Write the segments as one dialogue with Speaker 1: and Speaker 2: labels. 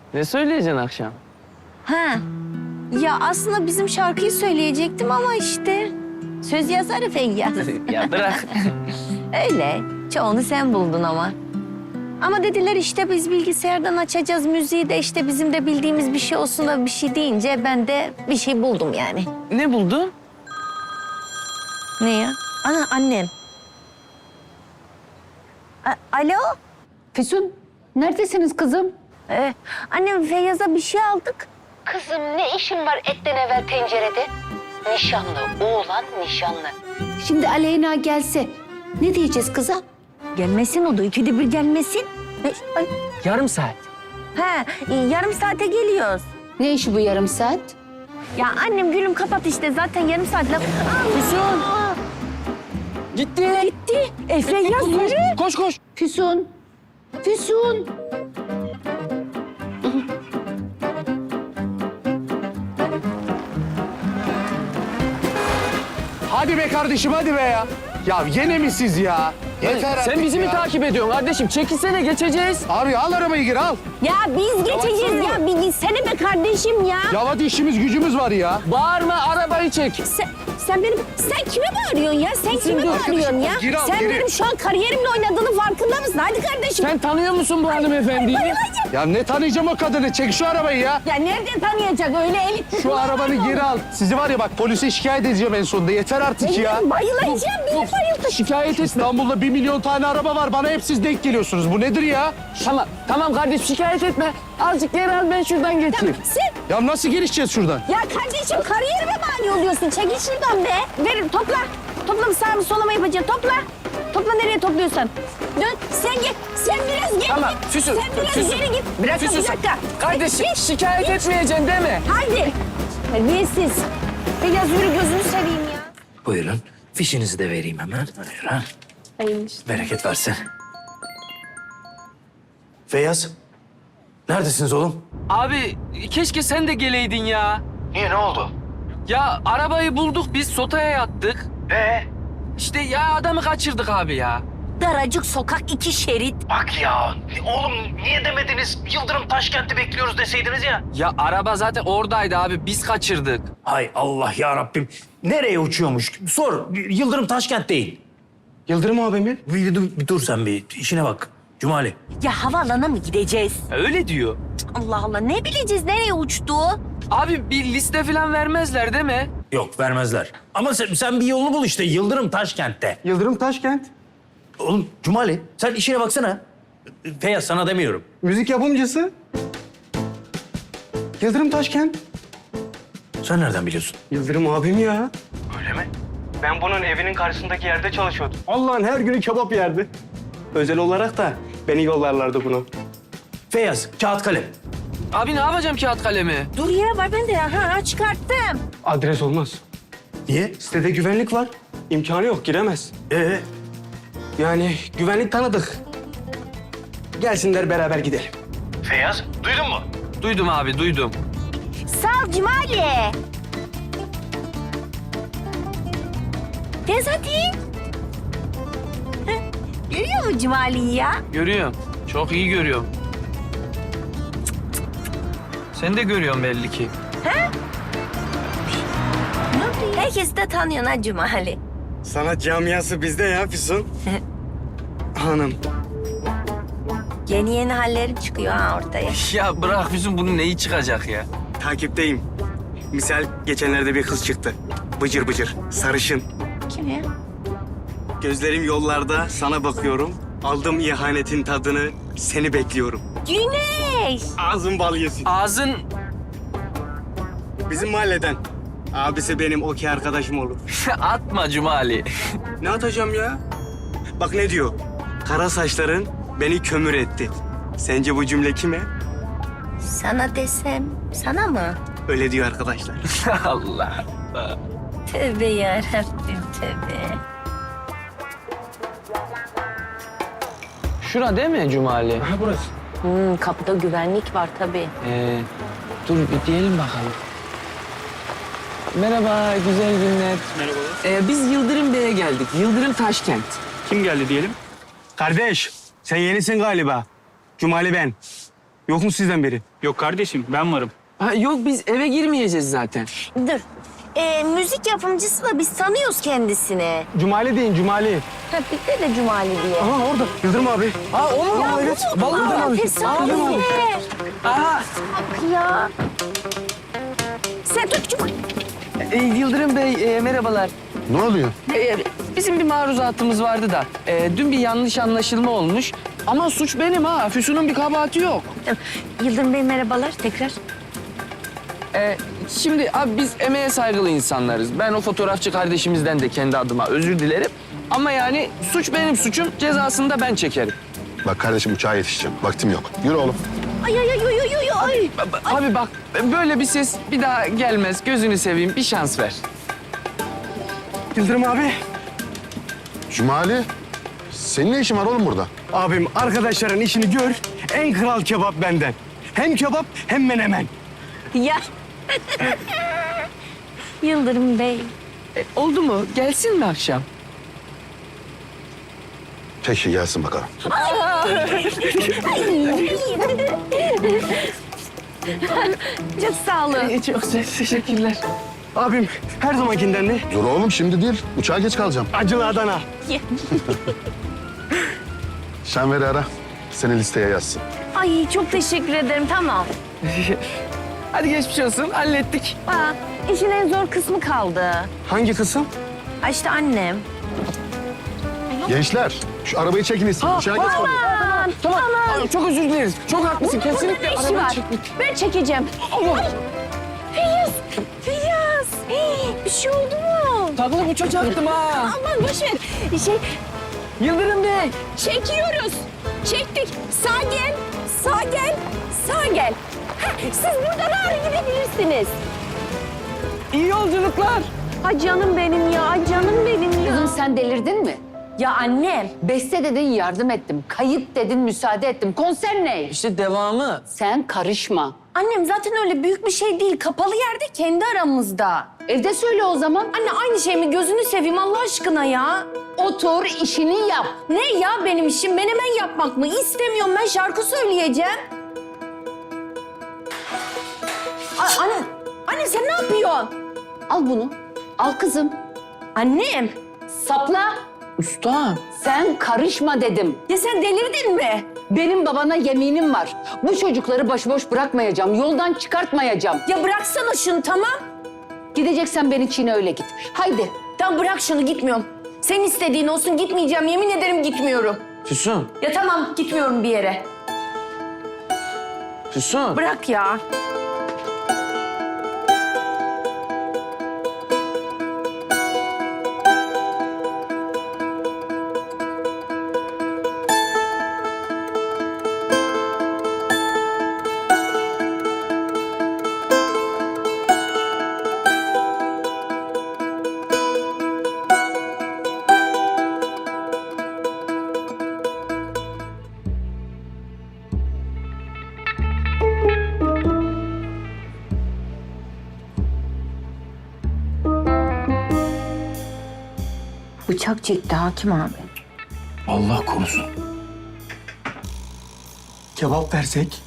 Speaker 1: Ne söyleyeceksin akşam?
Speaker 2: Ha. Ya aslında bizim şarkıyı söyleyecektim ama işte söz yazarı Feyyaz.
Speaker 1: Ya bırak.
Speaker 2: Öyle. Çoğunu sen buldun ama. Ama dediler işte biz bilgisayardan açacağız müziği de işte bizim de bildiğimiz bir şey olsun da bir şey deyince ben de bir şey buldum yani.
Speaker 1: Ne buldun?
Speaker 2: Ne ya? Ana annem. Alo?
Speaker 3: Füsun, neredesiniz kızım?
Speaker 2: Annem Feyyaz'a bir şey aldık.
Speaker 3: Kızım ne işin var etten evvel tencerede? Nişanlı, oğlan nişanlı. Şimdi Aleyna gelse ne diyeceğiz kıza?
Speaker 2: Gelmesin o da ikide bir gelmesin. Ay.
Speaker 1: Yarım saat.
Speaker 2: Ha, yarım saate geliyoruz.
Speaker 3: Ne işi bu yarım saat?
Speaker 2: Ya annem gülüm kapat işte zaten yarım saat laf.
Speaker 1: Füsun. Gitti.
Speaker 2: Gitti. Feyyaz yürü.
Speaker 1: Koş koş.
Speaker 3: Füsun, Füsun.
Speaker 4: Hadi be kardeşim hadi be ya. Ya yine mi siz ya? Yeter artık
Speaker 1: Sen bizi mi
Speaker 4: ya.
Speaker 1: takip ediyorsun kardeşim? Çekilsene geçeceğiz.
Speaker 4: Abi al arabayı gir al.
Speaker 2: Ya biz geçeceğiz ya. Bir gitsene be kardeşim ya.
Speaker 4: Ya hadi işimiz gücümüz var ya.
Speaker 1: Bağırma arabayı çek.
Speaker 2: Sen kime bağırıyorsun ya? Sen kime bağırıyorsun ya?
Speaker 4: Gir al,
Speaker 2: Sen
Speaker 4: gir.
Speaker 2: benim şu an kariyerimle oynadığının farkında mısın? Hadi kardeşim.
Speaker 1: Sen tanıyor musun bu hanımefendiyi?
Speaker 2: Bayılacağım.
Speaker 4: Ya ne tanıyacağım o kadını? Çek şu arabayı ya.
Speaker 2: Ya nerede tanıyacak öyle elit?
Speaker 4: Şu arabanı geri al. Sizi var ya bak polise şikayet edeceğim en sonunda. Yeter artık ya.
Speaker 2: Bayılacağım. Beni bayıldı.
Speaker 4: Şikayet et. İstanbul'da 1 milyon tane araba var. Bana hep siz denk geliyorsunuz. Bu nedir ya?
Speaker 1: Tamam kardeşim şikayet etme. Azıcık geri al ben şuradan geçeyim.
Speaker 2: Sen
Speaker 4: Ya nasıl gelişeceğiz şuradan?
Speaker 2: ya kardeşim kariyerime mani oluyorsun. Çekil şuradan be. Verin topla. Topla mı sağ mı sola mı yapacaksın? Topla. Topla nereye topluyorsan. Dön sen git. Sen biraz geri
Speaker 1: Tamam,
Speaker 2: git.
Speaker 1: Füsun,
Speaker 2: Sen biraz
Speaker 1: Füsun.
Speaker 2: geri git. Bir dakika
Speaker 1: Füsun,
Speaker 2: bir dakika.
Speaker 1: Kardeşim
Speaker 2: Git,
Speaker 1: şikayet etmeyeceksin değil mi?
Speaker 2: Haydi. Terbiyesiz. Biraz yürü gözünü seveyim ya.
Speaker 5: Buyurun. Fişinizi de vereyim hemen. Buyurun. Bereket versin. Feyyaz. Neredesiniz oğlum?
Speaker 1: Abi keşke sen de geleydin ya.
Speaker 5: Niye ne oldu?
Speaker 1: Ya arabayı bulduk biz sotaya yattık. İşte ya adamı kaçırdık abi ya.
Speaker 2: Daracık sokak 2 şerit.
Speaker 5: Bak ya. Oğlum niye demediniz? Yıldırım Taşkent'i bekliyoruz deseydiniz ya.
Speaker 1: Ya araba zaten oradaydı abi biz kaçırdık.
Speaker 5: Hay Allah ya Rabbim. Nereye uçuyormuş? Sor. Yıldırım Taşkent değil.
Speaker 4: Yıldırım abi mi?
Speaker 5: Bir dur sen bir. İşine bak. Cumali.
Speaker 2: Ya havaalanına mı gideceğiz?
Speaker 1: Öyle diyor.
Speaker 2: Allah Allah ne bileceğiz nereye uçtu?
Speaker 1: Abi bir liste falan vermezler değil mi?
Speaker 5: Yok vermezler. Ama sen bir yolunu bul işte. Yıldırım Taşkent'te.
Speaker 4: Yıldırım Taşkent.
Speaker 5: Oğlum Cumali sen işine baksana. Feyyaz sana demiyorum.
Speaker 4: Müzik yapımcısı. Yıldırım Taşkent.
Speaker 5: Sen nereden biliyorsun?
Speaker 4: Yıldırım abim ya.
Speaker 5: Öyle mi?
Speaker 6: Ben bunun evinin karşısındaki yerde çalışıyordum. Allah'ın her günü kebap yerdi. Özel olarak da beni yollarlardı bunu.
Speaker 5: Feyyaz kağıt kalem.
Speaker 1: Abi ne yapacağım kağıt kalemi?
Speaker 2: Dur ya var ben de ha çıkarttım.
Speaker 6: Adres olmaz.
Speaker 5: Niye?
Speaker 6: Sitede güvenlik var. İmkanı yok, giremez. Yani güvenlik tanıdık. Gelsinler beraber gidelim.
Speaker 5: Feyyaz duydun mu?
Speaker 1: Duydum abi duydum.
Speaker 2: Sağ ol Cumali. Tez hadi. Heh, görüyor musun Cumali'yi ya?
Speaker 1: Görüyorum. Çok iyi görüyorum. Sen de görüyorsun belli ki.
Speaker 2: Herkes de tanıyor ha Cumali.
Speaker 6: Sanat camiası bizde ya Füsun. Hanım.
Speaker 2: Yeni yeni hallerim çıkıyor ha ortaya.
Speaker 1: Ya bırak bizim bunun neyi çıkacak ya?
Speaker 6: Takipteyim. Misal geçenlerde bir kız çıktı. Bıcır bıcır, sarışın.
Speaker 2: Kim ya?
Speaker 6: Gözlerim yollarda, sana bakıyorum. Aldım ihanetin tadını, seni bekliyorum.
Speaker 2: Güneş.
Speaker 6: Ağzın bal yesin.
Speaker 1: Ağzın...
Speaker 6: Bizim mahalleden. Abisi benim okey arkadaşım olur.
Speaker 1: Atma Cumali.
Speaker 6: Ne atacağım ya? Bak ne diyor? Kara saçların beni kömür etti. Sence bu cümle kime?
Speaker 2: Sana desem, sana mı?
Speaker 6: Öyle diyor arkadaşlar.
Speaker 1: Allah Allah.
Speaker 2: Tövbe yarabbim tövbe.
Speaker 1: Şura değil mi Cumali?
Speaker 2: Kapıda güvenlik var tabii.
Speaker 1: Dur bir diyelim bakalım. Merhaba, güzel günler.
Speaker 6: Merhabalar.
Speaker 1: Biz Yıldırım Bey'e geldik. Yıldırım Taşkent.
Speaker 6: Kim geldi diyelim? Kardeş, sen yenisin galiba. Cumali ben. Yok mu sizden biri?
Speaker 7: Yok kardeşim ben varım.
Speaker 1: Ha, yok biz eve girmeyeceğiz zaten.
Speaker 2: Dur. Müzik yapımcısı da biz tanıyoruz kendisini.
Speaker 6: Cumali deyin, Cumali.
Speaker 2: Ha, bizde de Cumali diye.
Speaker 6: Aha orada. Yıldırım abi.
Speaker 1: Ha o mu?
Speaker 2: Ya
Speaker 1: Evet.
Speaker 2: bu mu?
Speaker 1: Vallahi
Speaker 2: Aa,
Speaker 1: abi.
Speaker 2: tesadüf.
Speaker 1: Aa,
Speaker 2: Bak ya. Sen tut Cumali.
Speaker 1: Yıldırım Bey merhabalar.
Speaker 4: Ne oluyor?
Speaker 1: Bizim bir maruzatımız vardı da dün bir yanlış anlaşılma olmuş. Ama suç benim ha. Füsun'un bir kabahati yok.
Speaker 2: Yıldırım Bey merhabalar tekrar.
Speaker 1: Şimdi abi biz emeğe saygılı insanlarız. Ben o fotoğrafçı kardeşimizden de kendi adıma özür dilerim. Ama yani suç benim suçum. Cezasını da ben çekerim.
Speaker 8: Bak kardeşim uçağa yetişeceğim. Vaktim yok. Yürü oğlum.
Speaker 2: Ay ay ay ay ay ay.
Speaker 1: Abi bak böyle bir ses bir daha gelmez. Gözünü seveyim bir şans ver.
Speaker 6: Yıldırım abi.
Speaker 8: Cumali, senin ne işin var oğlum burada?
Speaker 6: Abim arkadaşların işini gör. En kral kebap benden. Hem kebap hem menemen.
Speaker 2: Ya. Yıldırım Bey.
Speaker 1: Oldu mu? Gelsin mi akşam?
Speaker 8: Peki gelsin bakalım.
Speaker 2: Çok sağ olun.
Speaker 1: Çok teşekkürler.
Speaker 6: Abim her zamankinden ne?
Speaker 8: Dur oğlum şimdi değil. Uçağa geç kalacağım.
Speaker 6: Acılı Adana.
Speaker 8: Şenver'i ara. Seni listeye yazsın.
Speaker 2: Ay çok teşekkür ederim tamam.
Speaker 1: Hadi geçmiş olsun. Hallettik.
Speaker 2: Aa, işin en zor kısmı kaldı.
Speaker 6: Hangi kısım?
Speaker 2: Ha işte annem.
Speaker 8: Gençler, şu arabayı çekiniz. Uçağa geç kalacağım.
Speaker 1: Tamam. Ay, çok özür dileriz. Çok haklısın. Kesinlikle
Speaker 2: ne işi
Speaker 1: arabayı
Speaker 2: var?
Speaker 1: çekmek.
Speaker 2: Ben çekeceğim.
Speaker 1: Allah.
Speaker 2: Feyyaz! Feyyaz! Bir şey oldu mu?
Speaker 1: Takılıp uçacaktım ha.
Speaker 2: Aman boş ver.
Speaker 1: Yıldırım Bey.
Speaker 2: Çekiyoruz. Çektik. Sağ gel. Sağ gel. Sağ gel. Heh, siz buradan ağrı gidebilirsiniz.
Speaker 1: İyi yolculuklar.
Speaker 2: Ha canım benim ya. Canım benim ya.
Speaker 3: Kızım sen delirdin mi?
Speaker 2: Ya annem.
Speaker 3: Beste dedin yardım ettim. Kayıt dedin müsaade ettim. Konser ne?
Speaker 1: İşte devamı.
Speaker 3: Sen karışma.
Speaker 2: Annem zaten öyle büyük bir şey değil. Kapalı yerde kendi aramızda.
Speaker 3: Evde söyle o zaman.
Speaker 2: Anne aynı şey mi? Gözünü seveyim Allah aşkına ya.
Speaker 3: Otur işini yap.
Speaker 2: Ne ya benim işim? Menemen yapmak mı? İstemiyorum ben şarkı söyleyeceğim. Anne sen ne yapıyorsun?
Speaker 3: Al bunu. Al kızım.
Speaker 2: Annem.
Speaker 3: Sapla.
Speaker 1: Usta.
Speaker 3: Sen karışma dedim.
Speaker 2: Ya sen delirdin mi?
Speaker 3: Benim babana yeminim var. Bu çocukları başıboş bırakmayacağım. Yoldan çıkartmayacağım.
Speaker 2: Ya bıraksana şunu tamam.
Speaker 3: Gideceksen beni Çin'e öyle git. Haydi.
Speaker 2: Tamam bırak şunu gitmiyorum. Senin istediğin olsun gitmeyeceğim. Yemin ederim gitmiyorum.
Speaker 1: Füsun.
Speaker 2: Ya tamam gitmiyorum bir yere.
Speaker 1: Füsun.
Speaker 2: Bırak ya. Bıçak çekti hakim abi.
Speaker 5: Allah korusun.
Speaker 6: Kebap versek.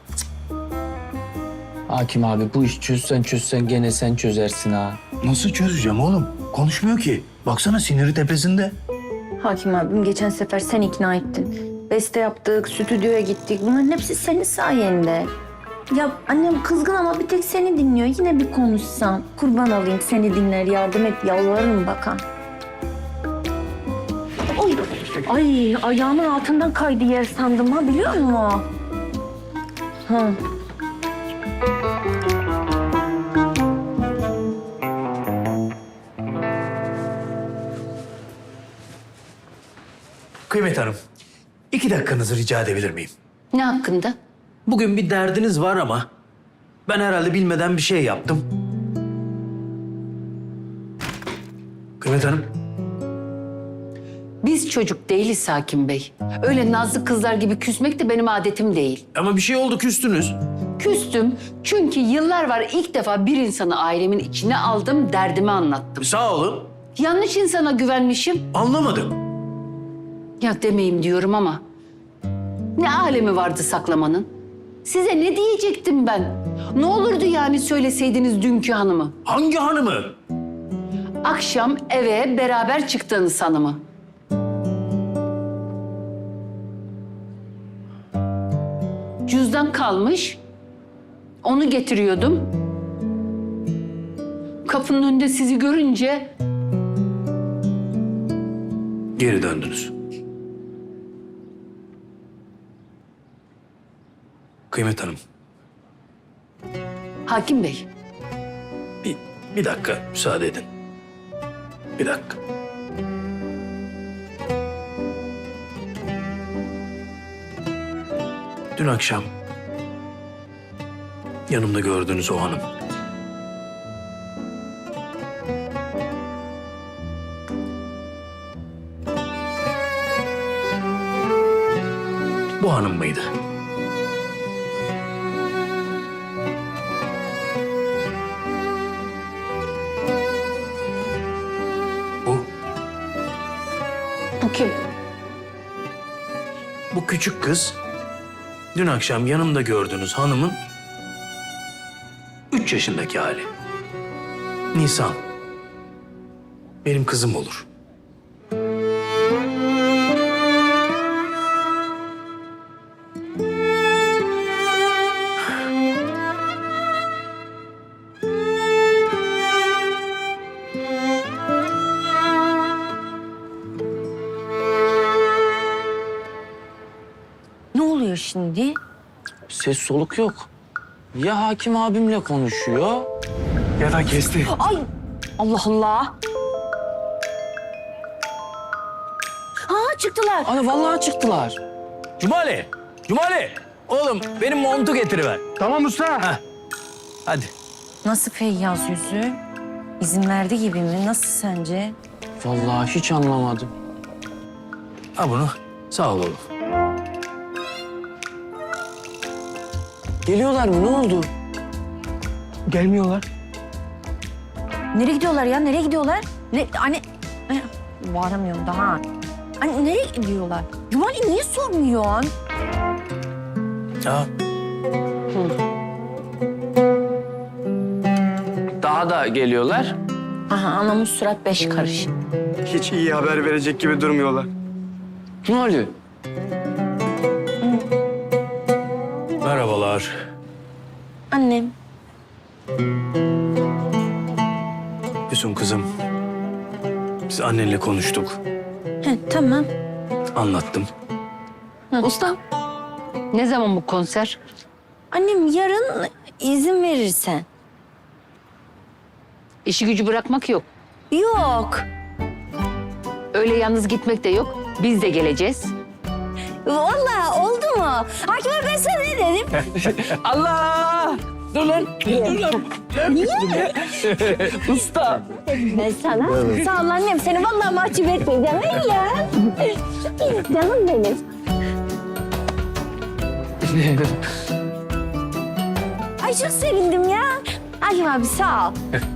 Speaker 1: Hakim abi bu iş çözsen gene sen çözersin ha.
Speaker 5: Nasıl çözeceğim oğlum? Konuşmuyor ki. Baksana siniri tepesinde.
Speaker 2: Hakim abim geçen sefer sen ikna ettin. Beste yaptık, stüdyoya gittik. Bunların hepsi senin sayende. Ya annem kızgın ama bir tek seni dinliyor. Yine bir konuşsan. Kurban olayım seni dinler, yardım et, yalvarırım bakan. Oy. Ay ayağımın altından kaydı yer sandım ha biliyor musun? Ha.
Speaker 5: Kıymet Hanım, 2 dakikanızı rica edebilir miyim?
Speaker 3: Ne hakkında?
Speaker 5: Bugün bir derdiniz var ama ben herhalde bilmeden bir şey yaptım. Kıymet Hanım,
Speaker 3: Biz çocuk değiliz Hakim Bey. Öyle nazlı kızlar gibi küsmek de benim adetim değil.
Speaker 5: ama bir şey oldu küstünüz.
Speaker 3: Küstüm çünkü yıllar var ilk defa bir insanı ailemin içine aldım, derdimi anlattım.
Speaker 5: Sağ olun.
Speaker 3: Yanlış insana güvenmişim.
Speaker 5: Anlamadım.
Speaker 3: Ya demeyeyim diyorum ama ne alemi vardı saklamanın? Size ne diyecektim ben? Ne olurdu yani söyleseydiniz dünkü hanımı?
Speaker 5: Hangi hanımı?
Speaker 3: Akşam eve beraber çıktığınız hanımı. Cüzdan kalmış. Onu getiriyordum. Kapının önünde sizi görünce
Speaker 5: Geri döndünüz. Kıymet Hanım,
Speaker 3: Hakim Bey,
Speaker 5: bir dakika müsaade edin. Bir dakika. Dün akşam yanımda gördüğünüz o hanım. Bu hanım mıydı? Bu,
Speaker 3: bu kim?
Speaker 5: bu küçük kız dün akşam yanımda gördüğünüz hanımın 3 yaşındaki hali. Nisan. Benim kızım olur.
Speaker 2: Ne oluyor şimdi?
Speaker 1: Ses soluk yok. Ya hakim abimle konuşuyor.
Speaker 6: Ya da kesti.
Speaker 2: Ay Allah Allah. Ha çıktılar.
Speaker 1: Ana vallahi çıktılar.
Speaker 5: Cumali! Cumali! Oğlum benim montu getiriver.
Speaker 4: Tamam usta.
Speaker 5: Hadi.
Speaker 2: Nasıl Feyyaz yüzü? İzin verdi gibi mi? Nasıl sence?
Speaker 1: Vallahi hiç anlamadım.
Speaker 5: Al bunu. Sağ ol oğlum.
Speaker 1: Geliyorlar mı? Ne oldu?
Speaker 6: Gelmiyorlar.
Speaker 2: Nereye gidiyorlar ya? Nereye gidiyorlar? Ne anne? Varamıyorum daha. Anne nereye gidiyorlar? Cumali niye sormuyorsun?
Speaker 5: Ya
Speaker 1: Daha da geliyorlar.
Speaker 2: Aha anamın surat 5 karış.
Speaker 6: Hiç iyi haber verecek gibi durmuyorlar.
Speaker 1: Ne oluyor?
Speaker 5: merhabalar.
Speaker 2: Annem.
Speaker 5: Füsun kızım. Biz annenle konuştuk.
Speaker 2: He, tamam.
Speaker 5: Anlattım.
Speaker 3: Ustam, ne zaman bu konser?
Speaker 2: Annem yarın izin verirsen.
Speaker 3: İşi gücü bırakmak yok.
Speaker 2: Yok.
Speaker 3: Öyle yalnız gitmek de yok. Biz de geleceğiz.
Speaker 2: Vallahi oldu mu? Hakim abi ben sana ne dedim?
Speaker 1: Allah! Dur lan. Dur lan.
Speaker 2: Niye?
Speaker 1: Usta.
Speaker 2: Ben sana. Sağ ol annem. Seni vallahi mahcup etmeyeceğim. Öyle ya. Canım benim. Ay çok sevindim ya. Hakim abi sağ ol.